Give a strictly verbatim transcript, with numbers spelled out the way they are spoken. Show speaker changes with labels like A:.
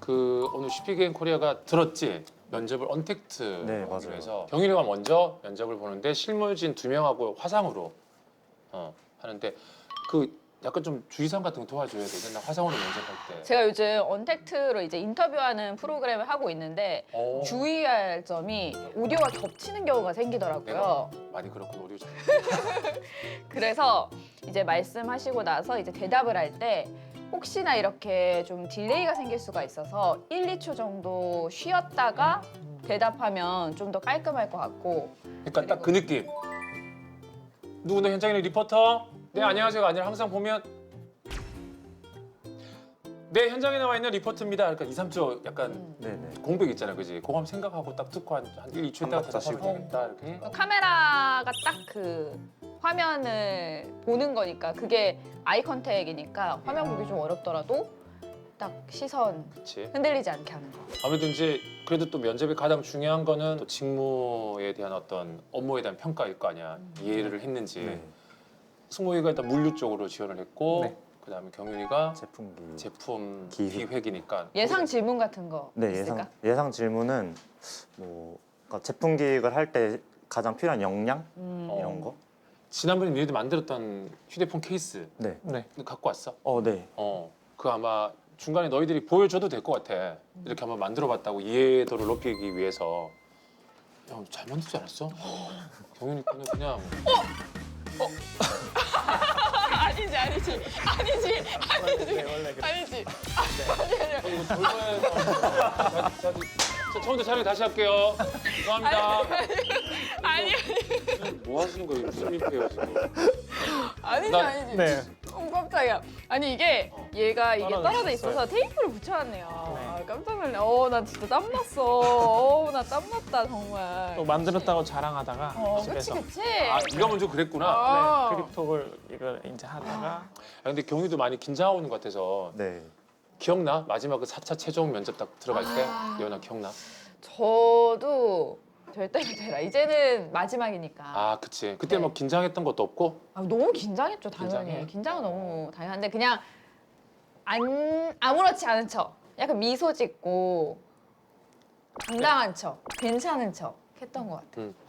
A: 그 오늘 슈피게임 코리아가 들었지? 면접을 언택트
B: 네, 맞아요.
A: 해서 경일이가 먼저 면접을 보는데 실무진 두 명하고 화상으로 어, 하는데 그 약간 좀 주의사항 같은 거 도와줘야 되겠나? 화상으로 면접할 때.
C: 제가 요즘 언택트로 이제 인터뷰하는 프로그램을 하고 있는데
A: 어.
C: 주의할 점이 오디오가 겹치는 경우가 생기더라고요.
A: 내가 많이 그렇군 오디오 잘.
C: 그래서 이제 말씀하시고 나서 이제 대답을 할 때 혹시나 이렇게 좀 딜레이가 생길 수가 있어서 일, 이 초 정도 쉬었다가 대답하면 좀 더 깔끔할 것 같고.
A: 그러니까 딱 그 느낌. 누구나 현장에 리포터? 네 안녕하세요가 아니라 항상 보면 네 현장에 나와 있는 리포터입니다. 그러니까 이, 삼 초 약간
B: 네네.
A: 공백 있잖아, 그지? 그거 한번 생각하고 딱 듣고 한, 한 일, 이 초 있다가
B: 한 박자
A: 대답하면
B: 쉬고.
A: 되겠다 이렇게.
C: 카메라가 딱 그 화면을 보는 거니까 그게 아이 컨택이니까 화면 보기 좀 어렵더라도 딱 시선
A: 그렇지.
C: 흔들리지 않게 하는 거.
A: 아무래도 이제 그래도 또 면접의 가장 중요한 거는 또 직무에 대한 어떤 업무에 대한 평가일 거 아니야. 이해를 했는지.
B: 네.
A: 승모이가 일단 물류 쪽으로 지원을 했고
B: 네.
A: 그다음에 경윤이가
B: 제품기.
A: 제품
B: 기획.
A: 기획이니까.
C: 예상 질문 같은 거
B: 네,
C: 있을까?
B: 예상 예상 질문은 뭐 그러니까 제품 기획을 할 때 가장 필요한 역량
C: 음.
A: 어.
B: 이런 거.
A: 지난번에 너희들 만들었던 휴대폰 케이스
B: 네.
D: 네.
A: 그거 갖고 왔어?
B: 어, 네.
A: 어. 그 아마 중간에 너희들이 보여줘도 될 것 같아. 이렇게 한번 만들어봤다고 이해도를 높이기 위해서. 야, 잘 만들지 않았어? 경윤이 거는 그냥
C: 아니지 아니지 아니지 아니지
D: 원래 그래.
C: 아니지
A: 어, 이거 돌고해서 자, 처음부터 촬영 다시 할게요. 죄송합니다.
C: 아니
A: 뭐 하시는 거예요? 무슨 일이에요 지금?
C: 아니지
A: 나-
C: 아니지
D: 네.
C: 어 깜짝이야. 아니 이게 얘가 이게
D: 떨어져
C: 떨어져
D: 있었어요.
C: 있어서 테이프를 붙여놨네요.
D: 네.
C: 아, 깜짝 놀래. 어나 진짜 땀 났어. 어나 땀 났다 정말.
D: 또 만들었다고 자랑하다가
C: 어 그치
D: 집에서
C: 그치.
A: 아, 네가 먼저 그랬구나.
C: 아.
D: 네, 크립톡을 이걸 이제 하다가
A: 아, 근데 경희도 많이 긴장하고 있는 것 같아서
B: 네.
A: 기억나? 마지막 그 사 차 최종 면접 딱 들어갈 때?
C: 아.
A: 예원아 기억나?
C: 저도 절대 되라. 이제는 마지막이니까.
A: 아 그치. 그때
C: 네.
A: 뭐 긴장했던 것도 없고?
C: 아, 너무 긴장했죠 당연히.
A: 긴장해?
C: 긴장은 너무 당연한데 그냥 안 아무렇지 않은 척, 약간 미소 짓고 당당한 척, 괜찮은 척 했던 것 같아.
A: 응.